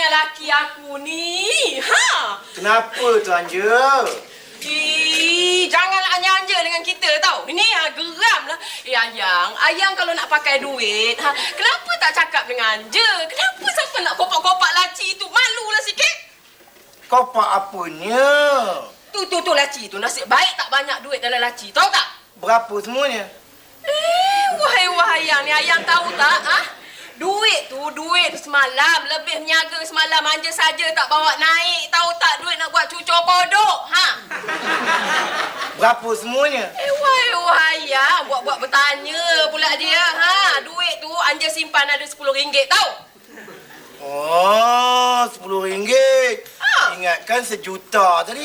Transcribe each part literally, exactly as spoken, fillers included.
dengan laki aku ni. Ha? Kenapa tu Anja? Ih, janganlah anja-anja dengan kita tau. Ini ha, geram lah. Eh, Ayang, Ayang kalau nak pakai duit, ha, kenapa tak cakap dengan Anja? Kenapa siapa nak kopak-kopak laci tu? Malulah sikit. Kopak apanya? Tu, tu, tu laci tu. Nasib baik tak banyak duit dalam laci. Tahu tak? Berapa semuanya? Eh, wahai wahai Ayang ni, Ayang tahu tak? Ha? Duit tu, duit semalam. Lebih meniaga semalam. Anja saja tak bawa naik. Tahu tak duit nak buat cucur kodok? Ha? Berapa semuanya? Eh, wahai wahai Ayang. Buat-buat bertanya pula dia. Ha? Duit tu Anja simpan ada sepuluh ringgit tahu? Oh, sepuluh ringgit. Ha? Ingatkan sejuta tadi.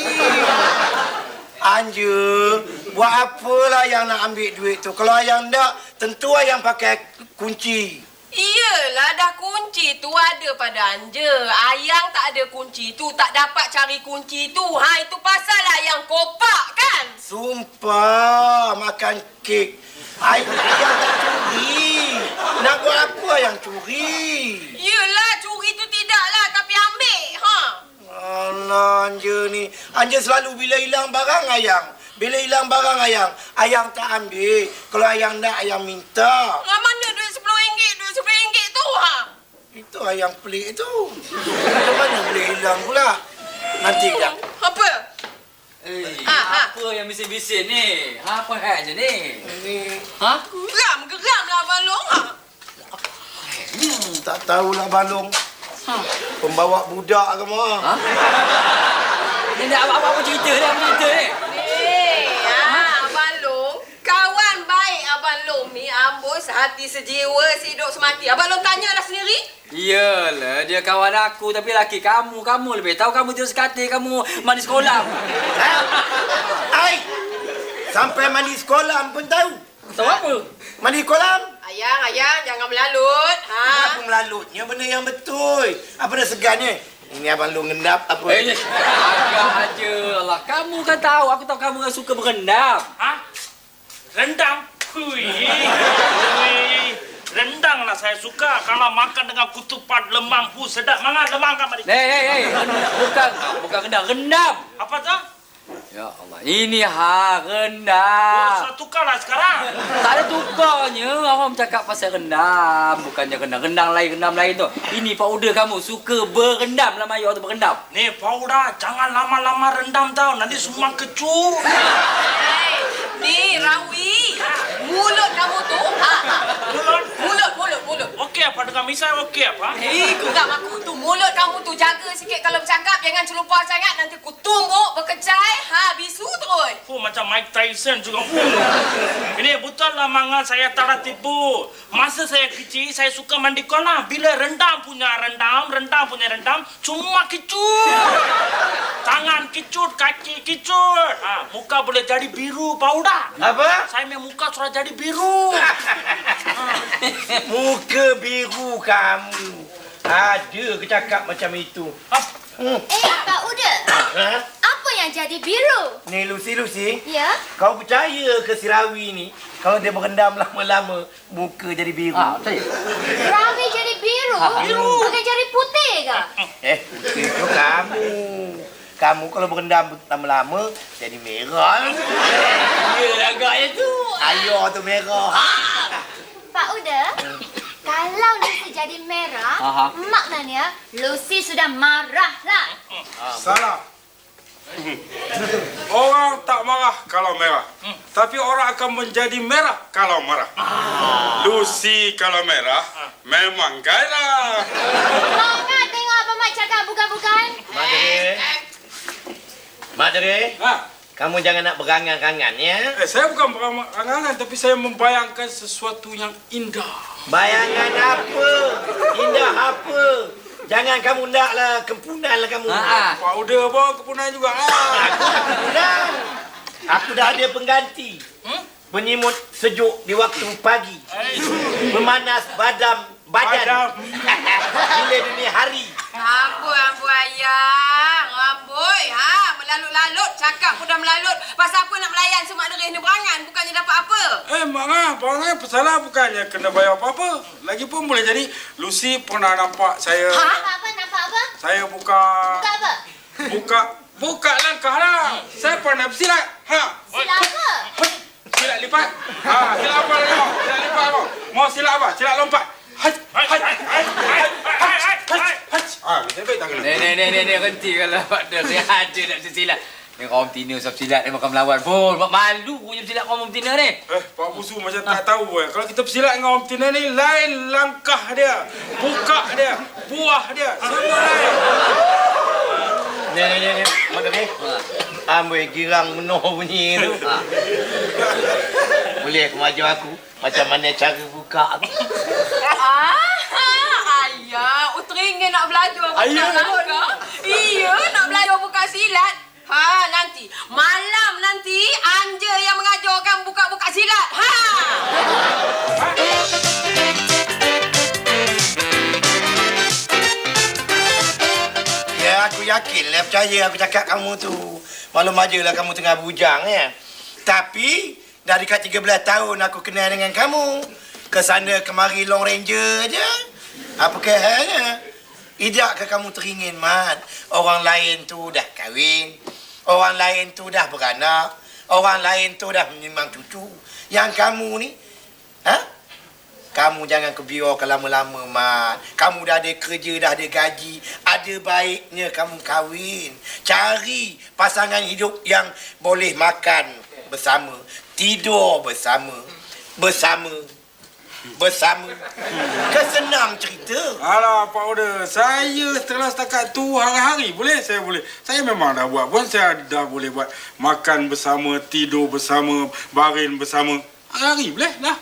Anja, buat apalah yang nak ambil duit tu? Kalau Ayang tak, tentu Ayang pakai kunci. Iyalah, dah kunci tu ada pada Anja. Ayang tak ada kunci tu, tak dapat cari kunci tu. Ha, itu pasal Ayang kopak kan? Sumpah, makan kek. Ayang tak curi. Nak buat apa Ayang curi? Iyalah, curi tu tidaklah, tapi ambil. Ha? Alah, Anja ni. Anja selalu bila hilang barang Ayang. Bila hilang barang Ayang, Ayang tak ambil. Kalau Ayang nak, Ayang minta. Lah mana duit sepuluh ringgit, duit sepuluh ringgit tu? Ha? Itu Ayang pelik tu. Macam mana boleh hilang pula? Nanti kejap. Apa? Eh, Ah, ah. apa yang bising-bising ni? Ha, apa hal je ni? Ini Ha? Geram, geram lah Abang Long. Ha? hmm, tak tahulah Balong. Ha? Pembawa budak ke mah? Ha? Ni nak apa-apa cerita ni, apa cerita ni? Eh, ha, Abang Long. Kawan baik Abang Long ni, amboi sehati sejiwa, sehidup semati. Abang Long tanyalah sendiri. Iyalah, dia kawan aku tapi laki kamu. Kamu lebih tahu, kamu tidur sekati, kamu mandi sekolah. Ha? Ai! Sampai mandi sekolah pun tahu. Tahu apa? Mandi kolam? Ayang, ayang, jangan melalut. Ha? Apa melalutnya benda yang betul? Apa dah segannya? Ini Abang Long ngendap apa? Eh, agak aja lah. Kamu kan tahu, aku tahu kamu kan suka berendam. Ha? Rendang? Hui. Hui. Rendang lah saya suka. Kalau makan dengan kutupat lemang. Hu, sedap. Mana lemang kan, Mari? Hei, hei, hei. Bukan, bukan rendam, rendam. Apa tu? Ya Allah, ini ha, Oh, rendam. sudah tukarlah sekarang. Tak ada tukarnya. Orang cakap pasal rendam. Bukannya rendam. Rendang lain, rendam lain tu. Ini powder kamu suka berendam lah Maya tu berendam. Ni, Pauda, jangan lama-lama rendam tau. Nanti semua kecut. Hei, ni Rawi. Mulut kamu tu. Ha? Mulut. Mulut, mulut, mulut. Okey apa dengan misai okey apa? Hei, geram aku tu. Mulut kamu tu jaga sikit kalau bercakap. Jangan celupar sangat. Nanti ku tumbuk, berkecai. Ha, bisu terus. Hu, macam Mike Tyson juga. Hu. Ini betul lah manga saya tak tipu. Masa saya kecil, saya suka mandi kolam. Bila rendam punya rendam, rendam punya rendam, cuma kecut. Tangan kecut, kaki kecut. Ha, muka boleh jadi biru, Pauda. Apa? Saya punya muka sudah jadi biru. Muka biru kamu. Ada ke cakap macam itu? Ha, Hmm. Eh, Pak Uda. Ha? Apa yang jadi biru? Ni Lucy, Lucy. Ya? Kau percaya ke si Rawi ni? Kalau dia berendam lama-lama, muka jadi biru. Ah, saya. Rawi jadi biru? Ha, biru. Bukan jadi putih ke? Eh, itu kamu. Kamu kalau berendam lama-lama, jadi merah. Ya, agaknya tu. Ayo tu merah. Ha? Pak Uda, kalau Lucy jadi merah, Aha. maknanya Lucy sudah marah lah. Salah. Orang tak marah kalau merah. Tapi orang akan menjadi merah kalau marah. Lucy kalau merah, memang gairah. Mau kan tengok apa Mak cakap bukan-bukan? Mak Dere. Mak Dere. Ha? Kamu jangan nak berangan-angan ya. Eh, saya bukan berangan-angan, tapi saya membayangkan sesuatu yang indah. Bayangan apa? Indah apa? Jangan kamu naklah kempunan lah kamu. Ha, Pak Uda pun kepunan juga. Ha? Kempunan. Aku dah ada pengganti. Hmm? Penyimut sejuk di waktu pagi. eh, Memanas badam badan. Badam. Bila dini hari. Amboi, amboi ayang. Amboi. Ha, melalut-lalut. Cakap pun dah melalut. Pasal apa nak melayan semak derih ni berangan? Bukannya dapat apa? Eh, Mak Ngah, Bang pesalah bukannya kena bayar apa-apa. Lagipun boleh jadi Lucy pernah nampak saya... Nampak apa? Nampak apa? Saya buka... Buka apa? Buka... Buka langkah lah. Saya pernah bersilat. Ha. Sila apa? Silat lipat. Ha. Silat apa lagi mau? Silat lipat apa? Mau silat apa? Silat lompat. Haj. Haj. Haj. Haj. Haj. Haj. Haj. Ah, saya baik tak kena. Ni ni ni ni ni henti kalau ada dia ada nak silat. Ni kaum tina sab silat ni makan melawan pun. Mak malu punya silat kaum tina ni. Eh, Pak Busu macam tak tahu eh. Kalau kita bersilat dengan orang Tina ni, lain langkah dia, buka dia, buah dia, semua lain. Ni ni ni ni. Mak ni. Ambil girang menoh bunyi tu. Ha. Boleh kau ajar aku macam mana cara buka aku? Ah, ayah, uteringin nak belajar buka langkah. Iya, nak belajar buka silat. Ha, nanti malam nanti Anja yang mengajarkan buka-buka silat. Ha. Ya, aku yakin lah, percaya aku cakap kamu tu. Maklum aja lah kamu tengah bujang ya. Tapi dah dekat tiga belas tahun aku kenal dengan kamu. Kesana kemari Long Ranger aja. Apa kehalnya? Idakkah kamu teringin, Mat? Orang lain tu dah kahwin. Orang lain tu dah beranak. Orang lain tu dah menyimang cucu. Yang kamu ni, ha? Kamu jangan kebiarkan lama-lama, Mat. Kamu dah ada kerja, dah ada gaji. Ada baiknya kamu kahwin. Cari pasangan hidup yang boleh makan bersama. Tidur bersama. Bersama. Bersama. Kan senang cerita. Alah, Pak Oda, saya setelah setakat tu hari-hari boleh, saya boleh. Saya memang dah buat pun, saya dah boleh buat makan bersama, tidur bersama, baring bersama. Hari-hari boleh dah.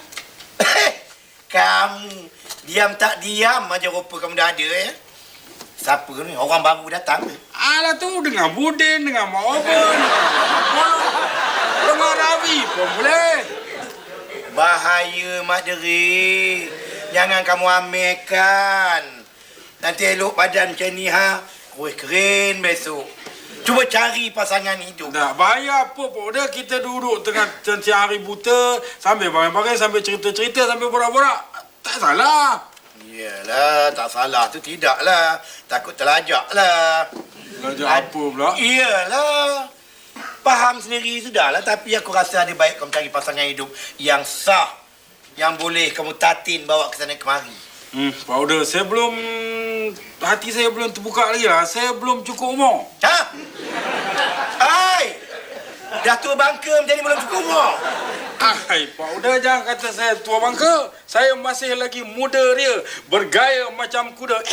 Kamu diam tak diam aja rupa kamu dah ada ya. Siapa ni? Orang baru datang. Alah tu dengan Budin, dengan Mak Oben, dengan Ravi pun boleh. Bahaya, Mak Deri. Jangan kamu ambilkan. Nanti elok badan macam ni, ha? Kuih keren besok. Cuba cari pasangan hidup. Tak bahaya apa Pak Oda, kita duduk tengah siang hari buta, sambil barang-barang, sambil cerita-cerita, sambil borak-borak. Tak salah. Iyalah, tak salah tu tidaklah. Takut terlajak lah. Belajar apa pula? Iyalah. Faham sendiri sudahlah, tapi aku rasa ada baik kamu cari pasangan hidup yang sah, yang boleh kamu tatin bawa ke sana kemari. Hmm, Pak Oda, saya belum... Hati saya belum terbuka lagi lah. Saya belum cukup umur. Ha? Hai! Dah tua bangka menjadi belum cukup umur. Hai, Pak Oda, jangan kata saya tua bangka. Saya masih lagi muda dia. Bergaya macam kuda.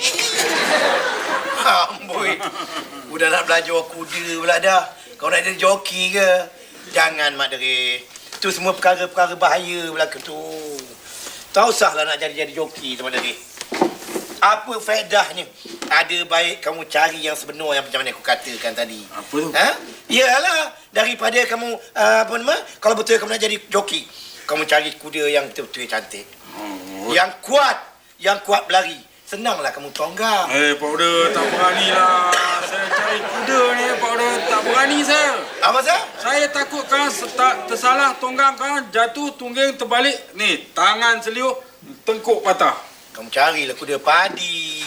Amboi. Udah nak belajar kuda pula dah. Kau nak jadi joki ke? Jangan, Mak Deri. Itu semua perkara-perkara bahaya belaka tu. Tak usahlah nak jadi-jadi joki tu, Mak Deri. Apa faedahnya? Ada baik kamu cari yang sebenar yang macam mana aku katakan tadi. Apa tu? Ha? Iyalah. Daripada kamu, uh, apa nama? Kalau betul kamu nak jadi joki, kamu cari kuda yang betul-betul cantik. Oh. Yang kuat. Yang kuat berlari. Senanglah kamu tonggang. Eh, Pak Oda, tak berani lah. Saya cari kuda ni, Pak Oda. Tak berani saya. Apa sah? Saya takut kan tak tersalah tonggang kan, jatuh tungging terbalik. Ni, tangan seliuh, tengkuk patah. Kamu carilah kuda padi.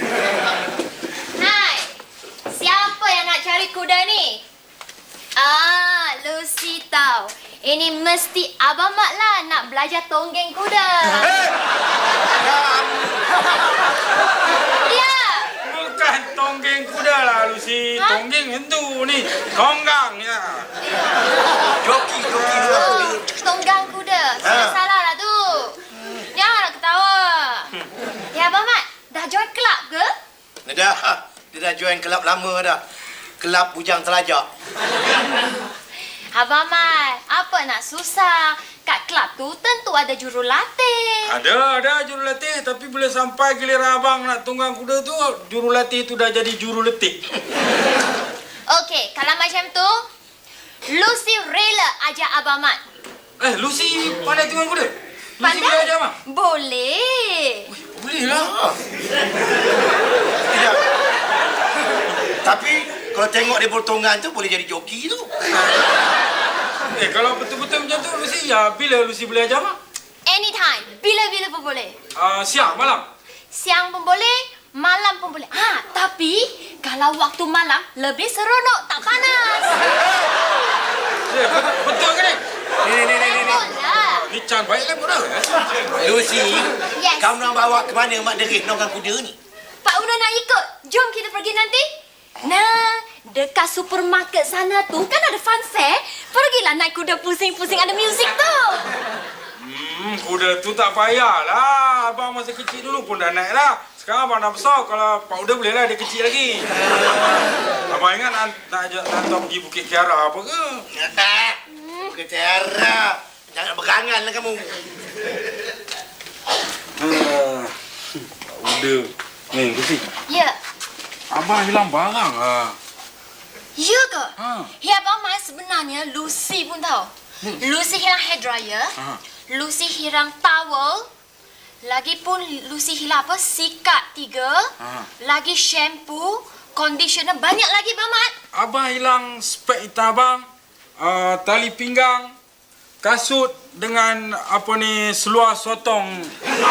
Hai, siapa yang nak cari kuda ni? Ah, Lucy tahu. Ini mesti Abang Mat lah nak belajar tonggeng kuda. Ya. Bukan tonggeng kuda lah, Lucy. Ha? Tonggeng hentu ni. Tonggang ya. Joki, joki tu. Oh, tonggang kuda. Sudah Ha. salah lah tu. Janganlah ketawa. Ya, Abang Mat, dah join kelab ke? Dah, dia dah join kelab lama dah. Kelab bujang telajak. Abang Mat, apa nak susah? Kat kelab tu tentu ada jurulatih. Ada, ada jurulatih. Tapi bila sampai giliran abang nak tunggang kuda tu, jurulatih tu dah jadi juruletih. Okey, kalau macam tu, Lucy rela ajak Abang Mat. Eh, Lucy pandai tunggang kuda? Lucy Pandai? boleh ajar abang? Boleh. Boleh lah. Tidak. Tapi kalau tengok dia bertonggang tu boleh jadi joki tu. Eh, kalau betul-betul macam tu, Lucy, ya bila Lucy boleh ajar abang? Anytime. Bila-bila pun boleh. Uh, siang, malam? Siang pun boleh, Malam pun boleh. Ah, tapi kalau waktu malam lebih seronok, tak panas. Eh, betul ke ni? Ni, ni, ni, ni, ni. Betul lah. Ni Chan baik kan bodoh. Lucy, Yes. kamu nak bawa ke mana Mak Deris nonggang kuda ni? Pak Una nak ikut. Jom kita pergi nanti. Nah, dekat supermarket sana tu kan ada fun fair. Pergilah naik kuda pusing-pusing, ada muzik tu. Hmm, kuda tu tak payahlah. Abang masa kecil dulu pun dah naik lah. Sekarang abang dah besar. Kalau Pak Uda boleh lah, dia kecil lagi. Abang ingat nak, nak ajak hantar pergi Bukit Kiara apa ke? Bukit Tiara. Jangan berangan lah kamu. Hmm, Pak Uda. Ni, Lucy. Ya. Abang hilang barang lah. Ya ke? Ha. Ya, Abang Mai sebenarnya Lucy pun tahu. Lucy hilang hair dryer. Ha. Lucy hilang towel. Lagipun Lucy hilang apa? Sikat tiga. Ha. Lagi shampoo, conditioner, banyak lagi, Abang Mat. Abang hilang spek hitam abang. Uh, tali pinggang. Kasut dengan apa ni seluar sotong.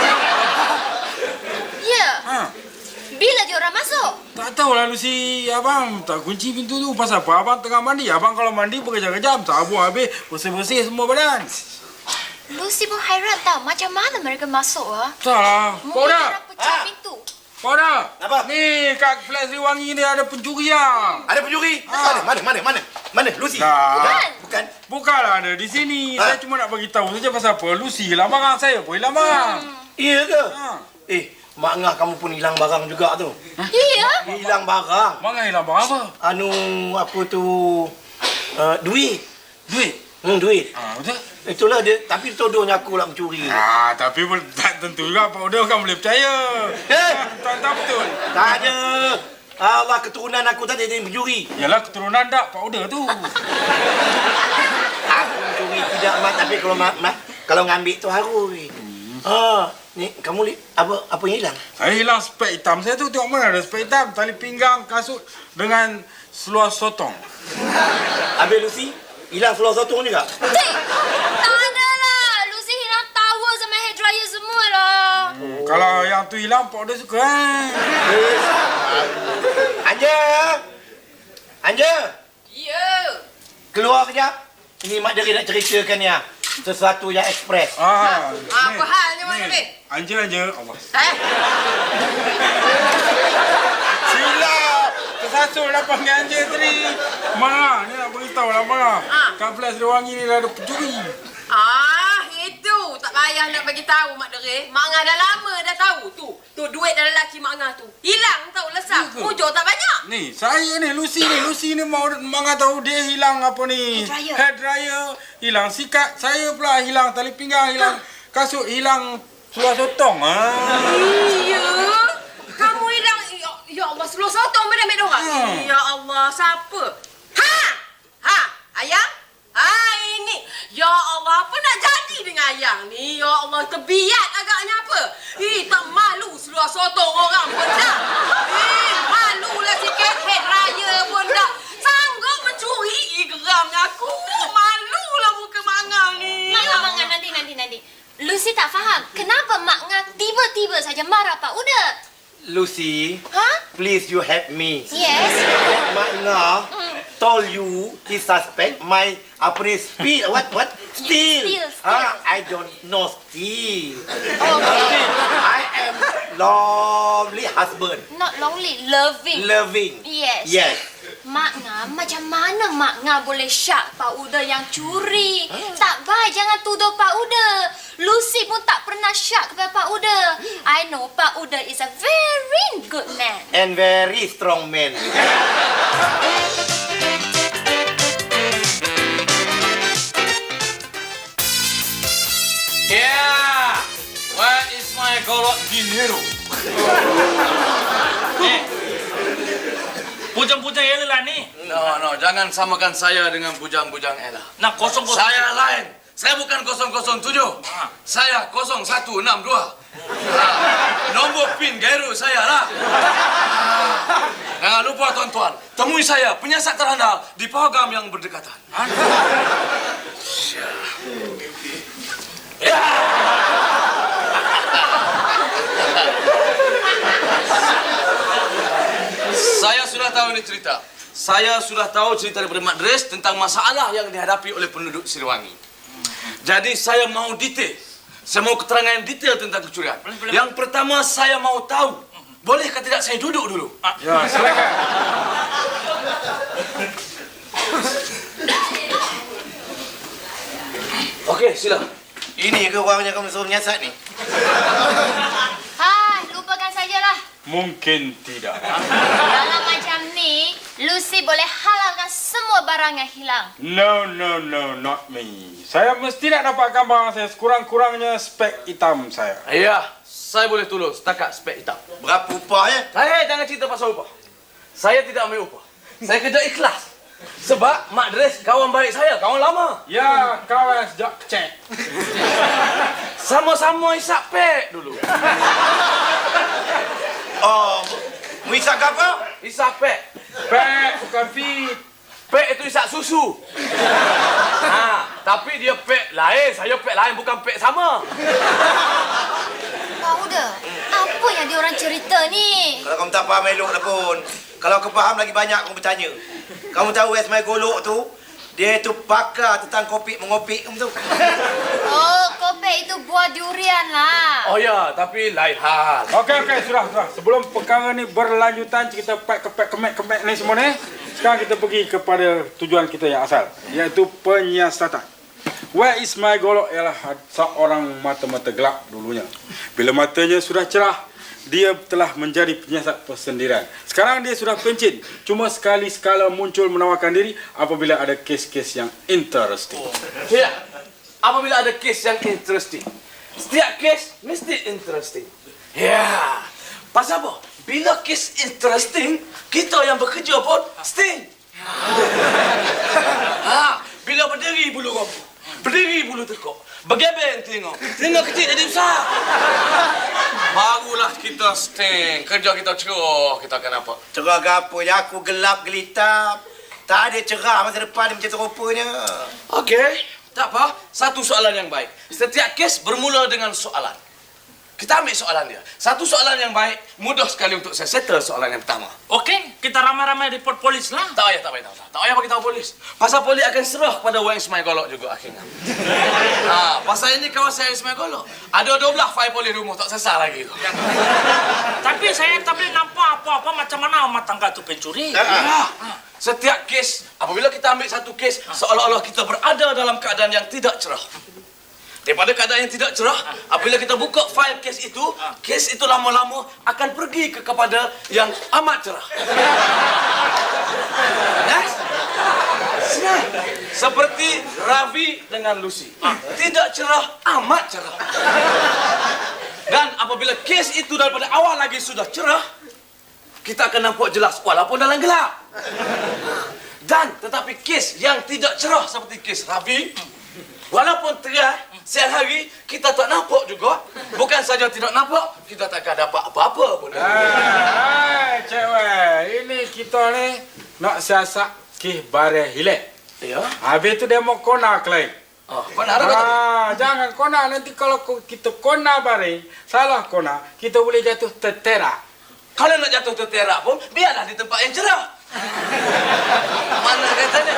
Ya. Ha. Bila dia orang masuk? Tak tahulah Lucy, abang tak kunci pintu tu. Pasal apa? Abang tengah mandi. Abang kalau mandi berkejap-kejap, sabu habis, bersih-bersih semua badan. Lucy pun hairan tau. Macam mana mereka masuk ah? Tak lah. Pak Mungkin Uda, orang pecah Ha? pintu. Pak Uda. Apa? Ni kat Flat Sri Wangi ni ada pencuri lah. Ada pencuri? Ah. Mana, mana, mana, mana? Mana, Lucy? Dah. Bukan. Bukan. Bukanlah ada di sini. Ha? Saya cuma nak bagi tahu saja pasal apa. Lucy hilang barang, saya pun hilang barang. Iya ke? Ha. Eh, Mak Ngah kamu pun hilang barang juga tu. Ya. Hilang barang. Barang hilang barang apa? Anu, apa tu? Uh, duit. Duit. Hmm, duit. Ha, betul? Itulah dia. Tapi tuduhnya aku lah mencuri. Ah, tapi pun tak tentu juga Pak Uda kan boleh percaya. Eh? Tak tahu betul. Tak ada. Allah, keturunan aku tadi jadi mencuri. Yalah keturunan tak Pak Uda tu. Aku mencuri tidak, Mak. Tapi kalau mak, mak kalau ngambil tu harus. Ha, ni kamu li, apa apa yang hilang? Saya hilang spek hitam saya tu. Tengok mana ada spek hitam, tali pinggang, kasut dengan seluar sotong. Habis Lucy, hilang seluar sotong juga. Cik, tak ada lah. Lucy hilang towel sama hair dryer semua lah. Hmm, kalau yang tu hilang Pak Uda suka eh. Anja. Anja, Ya. keluar kejap. Ini Mak Deris nak ceritakan ya. Sesuatu yang ekspres. Ah, Apa halnya, Mak Deris? Anja anja. Allah. Eh? Silap. Tersasul lah panggil Anja tadi. Ma, ni nak beritahu lah Ma. Ah. Kat Flat Sri Wangi ni dah ada pencuri. Ah, itu. Tak payah nak bagi tahu, Mak Deris. Mak Ngah dah lama dah tahu tu. Tu duit dalam laki Mak Ngah tu. Hilang tahu lesap. Ya ke? Mujur tak banyak. Ni, saya ni, Lucy ni. Lucy ni mau Manga tahu dia hilang apa ni? Hair dryer. Hair dryer. Hilang sikat. Saya pula hilang tali pinggang, hilang kasut, hilang seluar sotong. Ah. Iya. Kamu hilang. Ya, ya Allah, seluar sotong mana ambil dorang? Hmm. Ya Allah, siapa? Ha! Ha! Ayang? Ha, ini. Ya Allah, apa nak jadi dengan ayang ni? Ya Allah, terbiat agaknya apa? Eh, tak malu seluar sotong orang pun dah. Eh, malulah sikit head raya pun dah. Sanggup mencuri. Eh, geramnya aku. Malulah muka Mak Ngah ni. Mak Ngah, Mak Ngah, nanti, nanti, nanti. Lucy tak faham. Kenapa Mak Ngah tiba-tiba saja marah Pak Uda? Lucy, Ha? please you help me. Yes. Mak Ngah told you he suspect my apa ni speed what what steal. Steal, steal. Ah, I don't know steal. Okay. I am lovely husband, Not lonely, loving. loving. Yes. Yes. Mak Ngah, macam mana Mak Ngah boleh syak Pak Uda yang curi? Tak baik, jangan tuduh Pak Uda. Lucy pun tak pernah syak kepada Pak Uda. I know Pak Uda is a very good man. And very strong man. Yeah! Where is my golok dinero? Eh. Bujang-bujang Ella lah ni. No, no, jangan samakan saya dengan bujang-bujang Ella. Nak kosong-kosong. Saya lain. Saya bukan kosong kosong tujuh. Ah. Saya kosong satu enam dua. Ah, nombor pin Gairu saya lah. Ah, jangan lupa tuan-tuan, temui saya penyiasat terandal di Pahagam yang berdekatan. Ah. Ya. cerita. Saya sudah tahu cerita daripada Mak Dres tentang masalah yang dihadapi oleh penduduk Siliwangi. Jadi saya mau detail. Saya mau keterangan detail tentang kecurian. Boleh, boleh. Yang pertama saya mau tahu. Bolehkah tidak saya duduk dulu? Ya, silakan. Okey, sila. Ini ke orangnya kamu suruh menyiasat ni? Hai, lupakan sajalah. Mungkin tidak. Dalam macam ni, Lucy boleh halalkan semua barang yang hilang. No, no, no, not me. Saya mesti nak dapatkan barang saya sekurang-kurangnya spek hitam saya. Ya, saya boleh tolong setakat spek hitam. Berapa upahnya? Hey, jangan cerita pasal upah. Saya tidak ambil upah. Saya kerja ikhlas. Sebab Mak Dres kawan baik saya, kawan lama. Ya, kawan sejak kecil. Sama-sama isap pek dulu. Oh, mu isap ke apa? Isap pek. Pek, bukan fit. Pek itu isap susu. Ha, tapi dia pek lain, saya pek lain, bukan pek sama. Pak Uda, apa yang diorang cerita ni? Kalau kamu tak faham elok lah pun. Kalau kau faham lagi banyak kamu bertanya. Kamu tahu es mai golok tu, dia tu pakar tentang kopi mengopik kamu tu. Oh, kopek itu buah durian lah. Oh ya, tapi lain hal. Okey, okey, sudah, sudah. Sebelum perkara ni berlanjutan, kita pek kepek kemek-kemek ni semua ni, sekarang kita pergi kepada tujuan kita yang asal, iaitu penyiasatan. Where is my golok ialah seorang mata-mata gelap dulunya. Bila matanya sudah cerah, dia telah menjadi penyiasat persendirian. Sekarang dia sudah pencin. Cuma sekali-sekala muncul menawarkan diri apabila ada kes-kes yang interesting. Ya, apabila ada kes yang interesting. Setiap kes mesti interesting. Ya, pasal apa? Bila kes interesting, kita yang bekerja pun sting. Ha, bila berdiri bulu rambut, berdiri bulu tekuk, bergebeng tengok, tengok kecil jadi besar. Barulah kita sting, kerja kita cerah, kita akan apa? Cerah ke apa je, aku gelap gelitap. Tak ada cerah masa depan dia macam tu rupanya. Okey, tak apa. Satu soalan yang baik. Setiap kes bermula dengan soalan. Kita ambil soalan dia. Satu soalan yang baik, mudah sekali untuk saya settle soalan yang pertama. Okey, kita ramai-ramai report polis lah. Tak payah, tak payah, tak payah. Tak payah bagi tahu polis. Pasal polis akan serah pada Wang Ismail Golok juga akhirnya. Ha, pasal ini kawasan Ismail Golok. Ada dua belas fail polis rumah, tak sesal lagi tu. Tapi saya tak boleh nampak apa-apa macam mana rumah tangga tu pencuri. Ya. Setiap kes, apabila kita ambil satu kes, seolah-olah kita berada dalam keadaan yang tidak cerah. Daripada keadaan yang tidak cerah, apabila kita buka fail kes itu, kes itu lama-lama akan pergi ke kepada yang amat cerah. Yes? Senang. Seperti Ravi dengan Lucy. Tidak cerah, amat cerah. Dan apabila kes itu daripada awal lagi sudah cerah, kita akan nampak jelas walaupun dalam gelap. Dan tetapi kes yang tidak cerah seperti kes Ravi, walaupun terang, siang hari, kita tak nampak juga. Bukan saja tidak nampak, kita tak akan dapat apa-apa pun. Hai, cewek. Ini kita ni nak siasat kih bare hilek. Ya? Habis tu dia mau kona kelai. Oh, benar apa tadi? Ah, jangan kona. Nanti kalau kita kona bare, salah kona, kita boleh jatuh terterak. Kalau nak jatuh terterak pun, biarlah di tempat yang cerah. Mana katanya?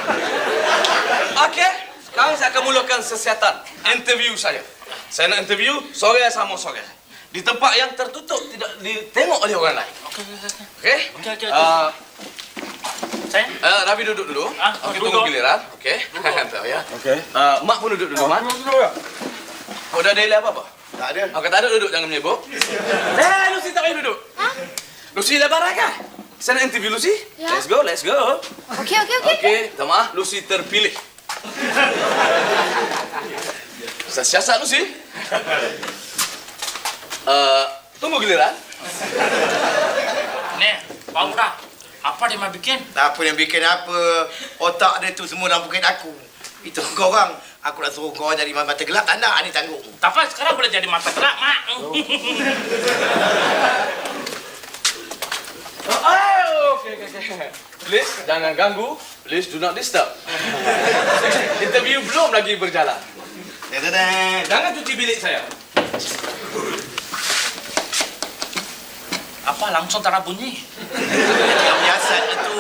Okey. Sekarang saya akan mulakan sesiatan interview saya. Saya nak interview sore sama sore. Di tempat yang tertutup, tidak ditengok oleh orang lain. Okey? Okey. Okey, okey. Uh, Saya? uh, Ravi duduk dulu. Ah, Okey, duduk. tunggu giliran. Okey. Tahu ya. Okey. Uh, Mak pun duduk dulu, Mak. Duduk ya. Kau dah delay apa-apa? Tak ada. Okey, tak ada duduk, jangan menyebut. Eh, Lucy tak payah duduk. Ha? Lucy lebar kan? Saya nak interview Lucy. Ya. Let's go, let's go. Okey, okey, okey. Okey, minta maaf, Lucy terpilih. Saya siasat Lucy. Uh, tunggu giliran. Nih, Pak Uda, apa dia mau bikin? Tak apa yang bikin apa. Otak dia tu semua dalam poket aku. Itu kau orang. Aku nak suruh kau jadi mata gelap. Tak nak, ni tanggung. Tapi sekarang boleh jadi mata gerak, Mak. Oh, okey, okey, okey. Please, jangan ganggu. Please, do not disturb. Interview belum lagi berjalan. Dadadad. Jangan cuci bilik saya. Apa langsung tak ada bunyi? Yang biasa Sat tu.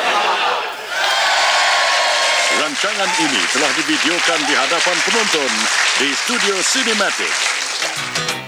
Rancangan ini telah divideokan di hadapan penonton di Studio Cinematic.